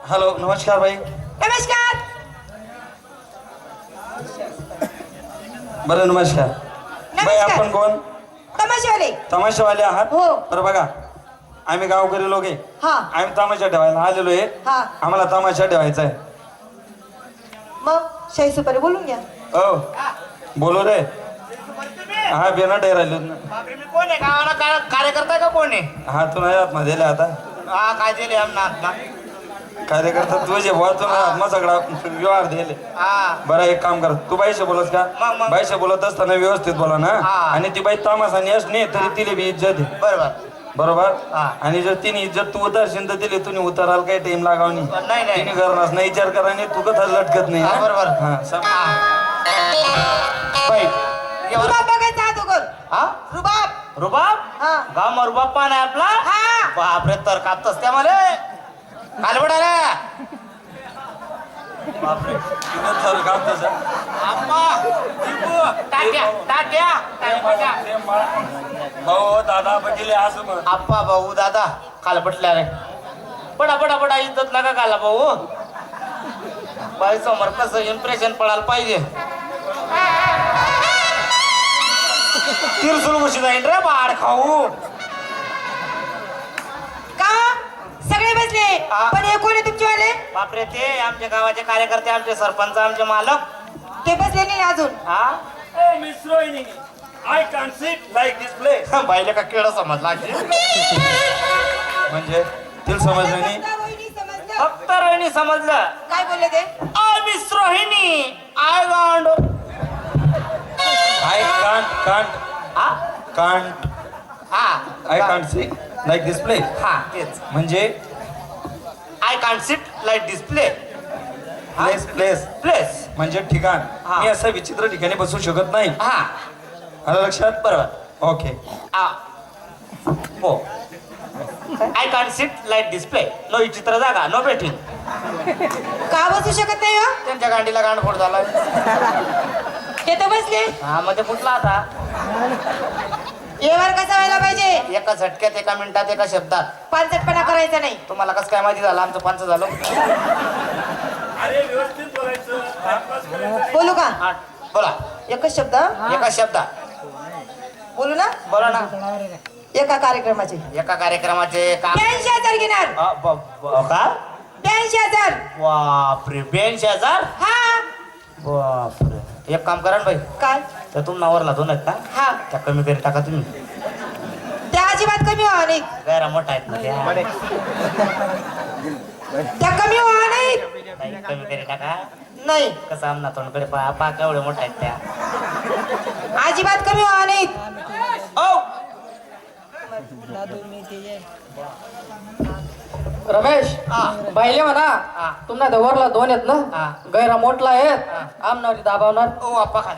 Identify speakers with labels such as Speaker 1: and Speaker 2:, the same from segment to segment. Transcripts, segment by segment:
Speaker 1: Hello नमस्कार भाई.
Speaker 2: नमस्कार.
Speaker 1: बरं नमस्कार. भाई आपण कोण?
Speaker 2: तमाशावाले.
Speaker 1: तमाशावाले आहात?
Speaker 2: हो.
Speaker 1: बरं बघा आम्ही गावकरी लोक आहे.
Speaker 2: हा.
Speaker 1: आम्ही तमाशा ठेवायला आलेलो आहे.
Speaker 2: हा.
Speaker 1: आम्हाला तमाशा ठेवायचा आहे.
Speaker 2: मग शाही सुपारी बोलून घ्या.
Speaker 1: ओ बोलो रे. हा बिना राहिलो ना.
Speaker 3: बापरे, मी कोण आहे गावाला कार्यकर्ता का कोण आहे?
Speaker 1: हा तू नाही आत्मा दिले आता
Speaker 3: हा काय दिले आमना
Speaker 1: कार्यकर्ता तुझे बुवा तू आत्मा सगळा व्यवहार दिले.
Speaker 3: हा
Speaker 1: बरं एक काम कर तू बाईशी बोलस का?
Speaker 3: मग.
Speaker 1: बाईशी बोलत असताना व्यवस्थित बोला ना.
Speaker 3: हा.
Speaker 1: आणि ती बाई तामासा नेस नाही तरी तिला बी इज्जत आहे.
Speaker 3: बरोबर.
Speaker 1: बरोबर.
Speaker 3: हा.
Speaker 1: आणि जर तिने इज्जत तू उतरशील तर तिला तुम्ही उतराल काही टाइम लागावनी.
Speaker 3: नाही.
Speaker 1: तिने करणार नाही विचार करा नाही तू कथा लटकत नाही.
Speaker 3: हा, बरोबर.
Speaker 1: हा
Speaker 3: बाई
Speaker 2: रुबाब बघायचा अगोदर.
Speaker 3: हा
Speaker 2: रुबाब.
Speaker 3: रुबाब.
Speaker 2: हा.
Speaker 3: गाव मग रुबाब पान आहे आपला.
Speaker 2: हा.
Speaker 3: बापरे तर कापतस त्या मला कालबडाला. बापरे
Speaker 1: थर कापतोस, हा?
Speaker 3: टाट्या
Speaker 1: भाऊ दादा बघितले असं म्हण.
Speaker 3: आप्पा भाऊ दादा कालबटल्या रे. पडा इज्जत नका घाला भाऊ. बाई समोर कसं इम्प्रेशन पडायला पाहिजे. तिरसुल घुशी जाईन रे बाड खाऊ.
Speaker 2: का सगळे बसले
Speaker 3: हा.
Speaker 2: पण हे कोण आहे तुमचेवाले?
Speaker 3: बापरे ते आमच्या गावाचे कार्यकर्ते आमचे सरपंच आमचे मालक.
Speaker 2: ते बसले नाही अजून.
Speaker 3: हा
Speaker 1: miss Rohini I can't sit like this place.
Speaker 3: बाईले का केळं समजला
Speaker 1: म्हणजे तिला समजलं नाही.
Speaker 2: वहिनी समजलं.
Speaker 3: फक्त रोहिणी समजलं.
Speaker 2: काय बोलले ते?
Speaker 3: I miss Rohini I want.
Speaker 1: I can't
Speaker 3: हा
Speaker 1: कांट
Speaker 3: हा
Speaker 1: I can't sit like this place.
Speaker 3: हा तेच.
Speaker 1: म्हणजे
Speaker 3: I can't sit like display.
Speaker 1: Place
Speaker 3: place.
Speaker 1: म्हणजे ठिकाण.
Speaker 3: हा.
Speaker 1: मी असं विचित्र ठिकाणी बसू शकत नाही.
Speaker 3: हा
Speaker 1: आलं लक्षात?
Speaker 3: बरोबर.
Speaker 1: ओके.
Speaker 3: हो I can't sit like display. No विचित्र जागा नो बेटिंग.
Speaker 2: का बसू शकत नाही हो?
Speaker 3: त्यांच्या गांडीला गांडफोड झाला.
Speaker 2: ते तर बसले.
Speaker 3: हा मध्ये फुटला आता.
Speaker 2: व्यवहार कसा व्हायला पाहिजे?
Speaker 3: एका झटक्यात एका मिनिटात एका शब्दात.
Speaker 2: पानसटपणा करायचा नाही.
Speaker 3: तुम्हाला कसं काय माहिती झालं आमचं पंच झालं?
Speaker 2: बोलू का?
Speaker 3: हा बोला.
Speaker 2: एकच शब्द
Speaker 3: एका शब्दात
Speaker 2: बोलू ना?
Speaker 3: बोला ना.
Speaker 2: एका कार्यक्रमाचे
Speaker 3: एका कार्यक्रमाचे काम.
Speaker 2: 82,000 घेणार.
Speaker 3: का
Speaker 2: 82,000.
Speaker 3: बापरे 82,000.
Speaker 2: हा.
Speaker 3: बापरे एक काम करा ना बाई.
Speaker 2: काय?
Speaker 3: तर तुम नावरला दोन आहेत का?
Speaker 2: हा.
Speaker 3: त्या कमी करी टाका तुम्ही.
Speaker 2: त्या अजिबात कमी व्हा नाही.
Speaker 3: गैरा मोठा आहेत ना त्या.
Speaker 2: त्या कमी व्हा नाही.
Speaker 3: नाही, कमी करी टाका.
Speaker 2: नाही
Speaker 3: कसं आमना तोंडकडे पा केवढे मोठा आहेत त्या.
Speaker 2: अजिबात कमी व्हा नाही.
Speaker 3: ओ
Speaker 4: रमेश बाहिले म्हणा
Speaker 3: हा.
Speaker 4: तुम्हाला दवरला दोन आहेत
Speaker 3: हा.
Speaker 4: ना गैरा मोठला आहेत आमनावरी दाबावणार.
Speaker 3: ओ आप्पा खाला.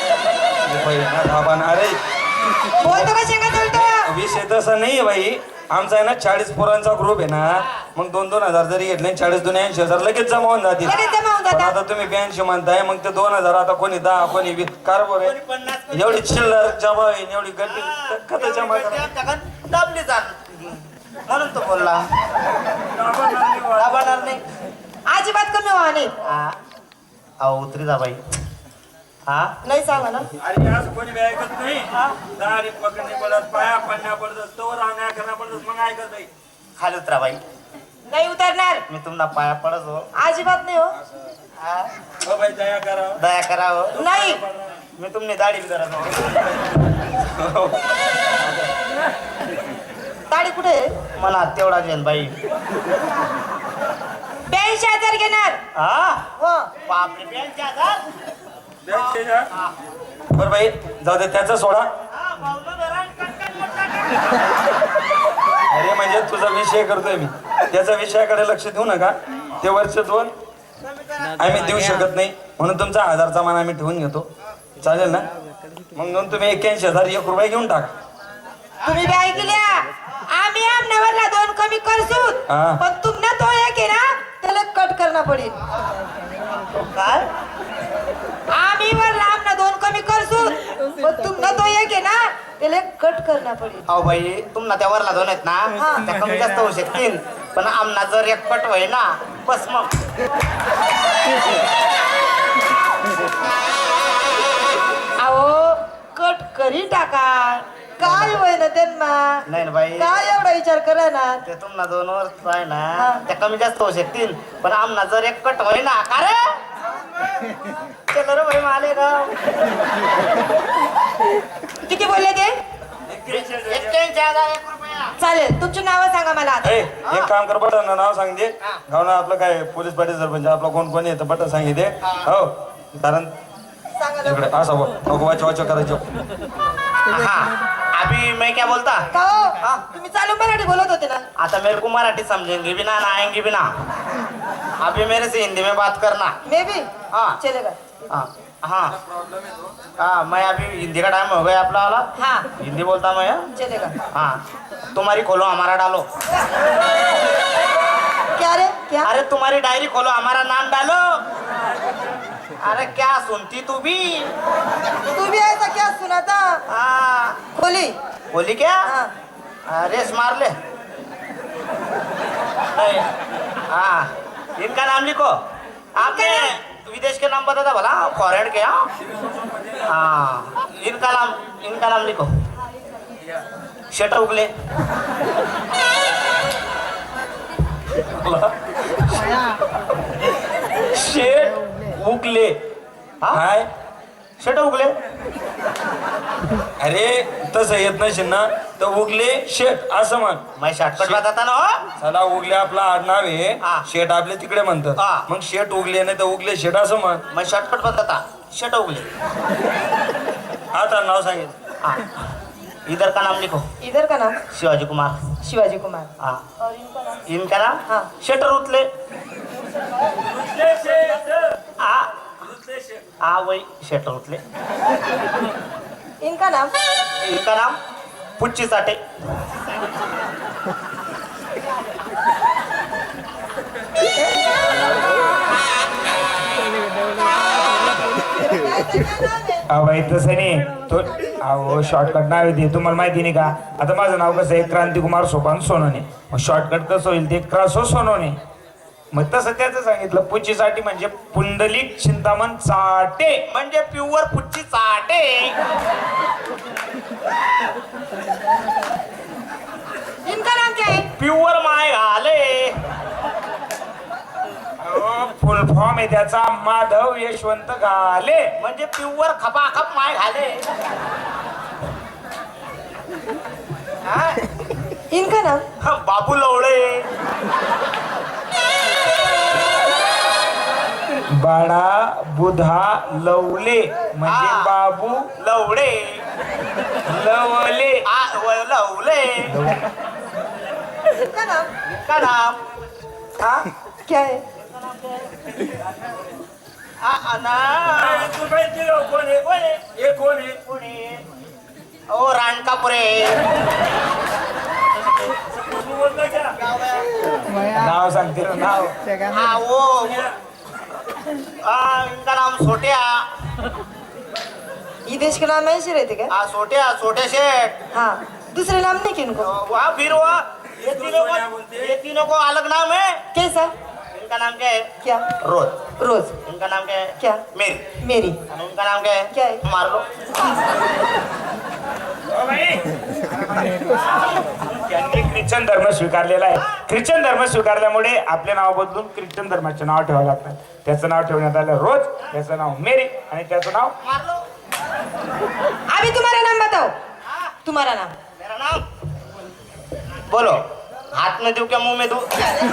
Speaker 1: अरे
Speaker 2: बोलतो का शेंगा बोलतो?
Speaker 1: विषय तसा नाहीये बाई. आमचा आहे ना 40 पोरांचा ग्रुप आहे ना. मग 2-2 हजार जरी घेतले 40 दुने 80,000 लगेच जमा होऊन जातील.
Speaker 2: लगेच जमा होऊन
Speaker 1: पण
Speaker 2: जातात.
Speaker 1: आता तुम्ही 82 म्हणताय मग ते 2,000 आता कोणी 10 कोणी 20 कारभार आहे.
Speaker 3: 50
Speaker 1: एवढी चिल्लर जमा होईल एवढी गड्डी कथा जमा करा.
Speaker 3: दाबली जाण म्हणून तो बोलला. दाबणार नाही.
Speaker 2: अजिबात कमी व्हा नाही.
Speaker 3: हा अहो उतरी जा बाई. हा
Speaker 2: नाही सांगा ना.
Speaker 1: अरे असं कोणी बी ऐकत नाही. दारी पकडणे पडत पाया पडण्या पडत तोवर आणण्या करणं पडत मग ऐकत नाही.
Speaker 3: खाली उतरा बाई.
Speaker 2: नाही उतरणार.
Speaker 3: मी तुम्हाला पाया पडत हो.
Speaker 2: अजिबात नाही हो.
Speaker 3: हा?
Speaker 1: हो बाई दया करा.
Speaker 3: दया करावं.
Speaker 2: नाही.
Speaker 3: मी तुमने दाढी करत
Speaker 2: ताडी कुठे आहे?
Speaker 3: मला तेवढा घेन बाई.
Speaker 2: 82,000 घेणार.
Speaker 3: हा
Speaker 2: हो.
Speaker 3: बापरे 82,000.
Speaker 1: बरं बाई जाऊ दे त्याचा सोडा. अरे म्हणजे तुझा विषय करतोय मी. त्याचा विषयाकडे लक्ष देऊ नका. ते वर्ष 2 आम्ही देऊ शकत नाही म्हणून तुमचा 1000चा मान आम्ही ठेवून घेतो. चालेल ना? मग नंतर तुम्ही 81,000 1 रुपये घेऊन टाका.
Speaker 2: तुम्ही बी ऐकल्या आम्ही आमनावरला 2 कमी करसू.
Speaker 1: हा.
Speaker 2: पण तुम्हाला तो एक आहे ना त्याला कट करणं पडेल.
Speaker 3: काय
Speaker 2: आम्ही वरला आमना 2 कमी करसू. पण तुम्हाला तो एक आहे ना त्याला कट करणं पडेल.
Speaker 3: अहो बाई तुम्हाला त्या वरला दोन आहेत ना त्या कमी जास्त होऊ शकतील पण आमना जर एक पट होय ना बस मग
Speaker 2: अहो कट करी टाका काय होय ना त्यांना
Speaker 3: नाही ना बाई
Speaker 2: काय एवढा विचार करा ना
Speaker 3: ते तुम्हाला 2 वर्ष आहे ना
Speaker 2: हा.
Speaker 3: त्या कमी जास्त होऊ शकतील पण आमना जर एक कट होई ना का रे चलो रे भाई मालेगाव
Speaker 2: किती बोलले ते
Speaker 3: 81,000 रुपया
Speaker 2: चालेल तुमची नावं सांगा मला आता.
Speaker 1: ए, एक काम कर बटन नाव सांग दे गावना आपलं काय पोलीस पाटील सरपंच आपला कोण कोण येतं बटन सांगितले हो कारण
Speaker 2: सांगा लवकर.
Speaker 1: इकडे असं बोल नको वाच करायचो
Speaker 3: हाँ अभी मैं क्या बोलता
Speaker 2: का हो? तुम्ही चालू मराठी बोलत होते ना
Speaker 3: आता मेरे को मराठी समझेंगे भी ना आएंगे भी ना अभी मेरे से हिंदी में बात करना
Speaker 2: मे भी
Speaker 3: हाँ।
Speaker 2: चलेगा
Speaker 3: हाँ हाँ हाँ मैं अभी हिंदी का टाइम हो गया अपना वाला
Speaker 2: हाँ
Speaker 3: हिंदी बोलता मैं हाँ?
Speaker 2: चलेगा
Speaker 3: हाँ तुम्हारी खोलो हमारा डालो
Speaker 2: क्या रे क्या
Speaker 3: अरे तुम्हारी डायरी खोलो हमारा नाम डालो अरे क्या सुनती तू भी
Speaker 2: तू भी ऐसा क्या सुना था
Speaker 3: हाँ
Speaker 2: खोली
Speaker 3: बोली क्या
Speaker 2: हाँ
Speaker 3: रेस मार ले नहीं, हाँ इनका नाम लिखो आपने विदेश के नाम बता था भला फॉरेन के हाँ इनका नाम लिखो शेटर उगले
Speaker 1: शेट उगले हाय
Speaker 3: शेटर उगले
Speaker 1: अरे तसं येत नसेल ना तर उगले शेट असं म्हण
Speaker 3: मैं शॉर्टकट बताता ना हो
Speaker 1: चला उगले आपला आडनाव आहे
Speaker 3: हा.
Speaker 1: शेट आपले तिकडे म्हणतात
Speaker 3: हा.
Speaker 1: मग शेट उगले नाही तर उगले शेट असं म्हण
Speaker 3: मैं शॉर्टकट बताता शेटर उगले
Speaker 1: आता नाव सांगितलं
Speaker 3: हाँ इधर का नाम लिखो
Speaker 2: इधर का नाम
Speaker 3: शिवाजी कुमार
Speaker 2: शिवाजी कुमार
Speaker 3: हाँ
Speaker 2: और इनका नाम
Speaker 3: इनका नाम
Speaker 2: हाँ
Speaker 3: शेटर उतले वही शेटर उतले
Speaker 2: इनका नाम
Speaker 3: इनका नाम पुच्ची साठे
Speaker 5: बाई तसं नाही तो अहो शॉर्टकट नाव येते तुम्हाला माहिती नाही का आता माझं नाव कसं आहे क्रांतिकुमार सोपान सोनवणे मग शॉर्टकट कसं होईल ते क्रासो सोनवणे मग तसं त्याचं सांगितलं पुच्चीसाठी म्हणजे पुंडलिक चिंतामण चाटे
Speaker 3: म्हणजे प्युअर पुच्ची चाटे
Speaker 2: इनका नाम क्या है
Speaker 3: प्युअर माय घाले
Speaker 5: फुल फॉर्म आहे त्याचा माधव यशवंत घाले
Speaker 3: म्हणजे प्युअर खपाखप माय घाले हा?
Speaker 2: इनका नाम
Speaker 3: हा, बाबू लवळे
Speaker 5: बाळा बुधा लवले म्हणजे
Speaker 3: हा.
Speaker 5: बाबू
Speaker 3: लवळे
Speaker 5: लवले
Speaker 3: लवले
Speaker 2: इनका नाम
Speaker 3: का नाम हा?
Speaker 2: क्या है
Speaker 3: ओ रानकापुरे
Speaker 5: नाव सांगते ना नाव
Speaker 3: हाँ वो इनका नाम सोटिया
Speaker 2: ये देश के नाम ऐसे रहते क्या
Speaker 3: हाँ सोटिया सोटे शेठ
Speaker 2: हाँ दूसरे नाम नहीं किनको
Speaker 3: वहाँ फिर वो ये तीनों को अलग नाम है
Speaker 2: कैसा
Speaker 3: इनका नाम क्या है
Speaker 2: क्या
Speaker 3: रोज
Speaker 2: रोज
Speaker 3: इनका नाम क्या है
Speaker 2: क्या
Speaker 3: मेरी
Speaker 2: मेरी
Speaker 3: और इनका नाम क्या है
Speaker 2: क्या है
Speaker 3: मार लो
Speaker 5: त्यांनी ख्रिश्चन धर्म स्वीकारलेला आहे ख्रिश्चन धर्म स्वीकारल्यामुळे आपले नाव बदलून ख्रिश्चन धर्माचे नाव ठेवावं लागतं त्याचं नाव ठेवण्यात आलं रोज त्याचं नाव मेरी आणि त्याचं नाव
Speaker 3: मार लो
Speaker 2: अभी तुम्हारा नाम बताओ तुम्हारा नाम
Speaker 3: मेरा नाम बोलो हाथ में दूं क्या मुंह में दूं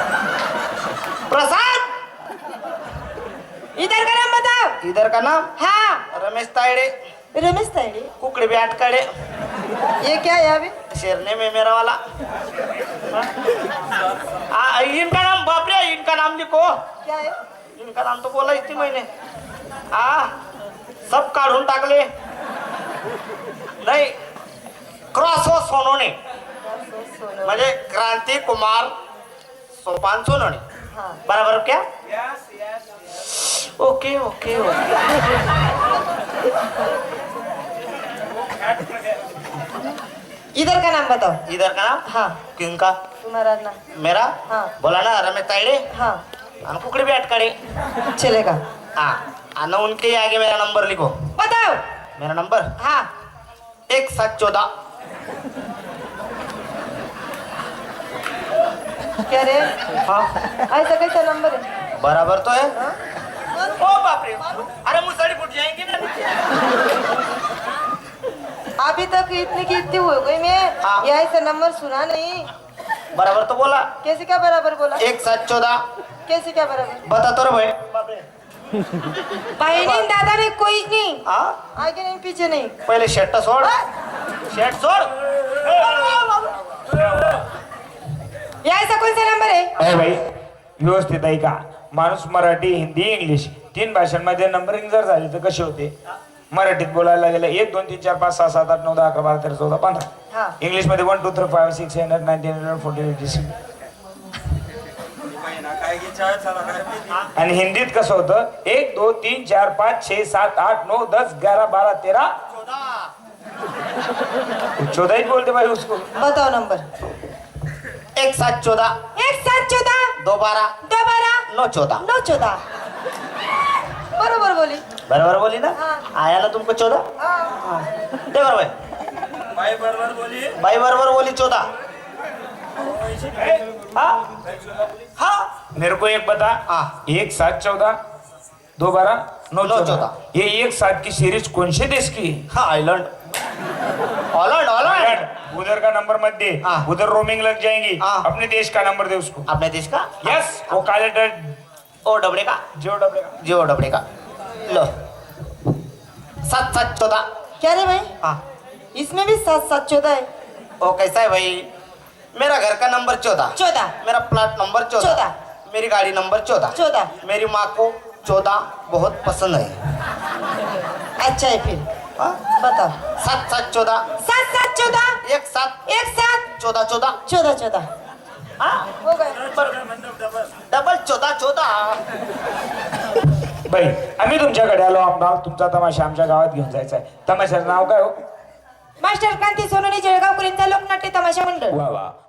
Speaker 3: प्रसाद
Speaker 2: इधर का नाम बताओ
Speaker 3: इधर का नाम
Speaker 2: हाँ
Speaker 3: रमेश तायडे
Speaker 2: रमेश तायडे
Speaker 3: कुकड़े भी अटकड़े
Speaker 2: ये क्या है अभी
Speaker 3: शेरने में मेरा वाला इनका नाम बाप रे इनका नाम लिखो
Speaker 2: क्या है
Speaker 3: इनका नाम तो बोला इतनी मैंने सब काढून टाकले नाही क्रॉस हो सोनवणे म्हणजे क्रांती कुमार सोपान सोनवणे
Speaker 2: हाँ
Speaker 3: बराबर क्या ओके ओके ओके
Speaker 2: इधर का नाम बताओ
Speaker 3: इधर का नाम
Speaker 2: हाँ
Speaker 3: किनका
Speaker 2: तुम्हारा नाम
Speaker 3: मेरा
Speaker 2: हाँ
Speaker 3: बोला ना रमेश तायडे
Speaker 2: हाँ
Speaker 3: और कुकड़ी भी अटकड़े।
Speaker 2: चलेगा।
Speaker 3: हाँ, ना उनके आगे मेरा नंबर लिखो।
Speaker 2: बताओ।
Speaker 3: मेरा नंबर
Speaker 2: हाँ
Speaker 3: 1714।
Speaker 2: क्या रे?
Speaker 3: हाँ
Speaker 2: ऐसा कैसा नंबर है?
Speaker 3: बराबर तो है। ओ बाप रे, अरे मुसड़ी फूट जाएंगे ना नीचे।
Speaker 2: अभी तक इतनी की इतनी हो गई मैं,
Speaker 3: हाँ।
Speaker 2: ये ऐसा नंबर सुना नहीं।
Speaker 3: बराबर तो बोला।
Speaker 2: कैसे क्या बराबर बोला?
Speaker 3: 1714।
Speaker 2: कैसे क्या बराबर?
Speaker 3: बता तो रे भाई।
Speaker 2: बहनी दादा ने कोई नहीं,
Speaker 3: हाँ
Speaker 2: आगे नहीं पीछे नहीं।
Speaker 3: पहले शर्ट सोड, शर्ट सोड।
Speaker 2: ये ऐसा कौन सा नंबर है?
Speaker 5: अरे भाई व्यवस्थित आहे का? माणूस मराठी हिंदी इंग्लिश 3 भाषांमध्ये नंबरिंग जर झाली तर कशी होते? मराठीत बोलायला गेलं 1 2 3 4 5 6 7 8 9 10 11 12 13 14 15.
Speaker 2: हाँ
Speaker 5: इंग्लिश मध्ये 1 2 3 5 6 7 8 9 10 11 14 15. आणि हिंदीत कसं होतं? 1 2 3 4 5 6 7 8 9 10 11 12 13 14 ही बोलते भाई उसको.
Speaker 2: बताओ नंबर।
Speaker 3: 1714
Speaker 2: 1714
Speaker 3: 212
Speaker 2: 212
Speaker 3: 914.
Speaker 2: 914 बरोबर बोली।
Speaker 3: बराबर बोली ना?
Speaker 2: हाँ।
Speaker 3: आया ना तुमको 14?
Speaker 2: हाँ
Speaker 3: दे बराबर।
Speaker 1: बाई बरोबर बोली.
Speaker 3: भाई बराबर बोली 14। हाँ हाँ
Speaker 5: मेरे को एक बता.
Speaker 3: हाँ
Speaker 5: 1 7 14 2 12 9 14.
Speaker 3: 14.
Speaker 5: ये 1 7 की सीरीज कौन से देश की है?
Speaker 3: हाँ आइलैंड, हॉलैंड हॉलैंड।
Speaker 5: उधर का नंबर मत दे.
Speaker 3: हाँ।
Speaker 5: उधर रोमिंग लग जाएंगी.
Speaker 3: हाँ।
Speaker 5: अपने देश का नंबर दे उसको.
Speaker 3: अपने देश का?
Speaker 5: यस वो काले
Speaker 3: ओ डबड़े का, जियो डबड़े का। लो 7
Speaker 2: क्या रे भाई?
Speaker 3: हाँ
Speaker 2: इसमें भी 7 है।
Speaker 3: ओ कैसा है भाई? मेरा घर का नंबर 14,
Speaker 2: 14
Speaker 3: मेरा प्लॉट नंबर 14,
Speaker 2: 14,
Speaker 3: मेरी गाड़ी नंबर 14,
Speaker 2: 14
Speaker 3: मेरी माँ को 14 बहुत पसंद है।
Speaker 2: अच्छा है फिर।
Speaker 3: हाँ?
Speaker 2: बताओ।
Speaker 3: 7 14
Speaker 2: 7
Speaker 3: 1 7
Speaker 2: 1 7
Speaker 3: 14 14।
Speaker 2: 14
Speaker 3: हाँ
Speaker 2: हो गए।
Speaker 3: डबल 14
Speaker 5: बाई आम्ही तुमच्याकडे आलो आमदार. तुमचा तमाशा आमच्या गावात घेऊन जायचा आहे. तमाशाचं नाव काय हो?
Speaker 2: मास्टर क्रांती सोनोनी जळगाव कुलींचा लोकनाट्य तमाशा मंडळ.
Speaker 5: वा वा.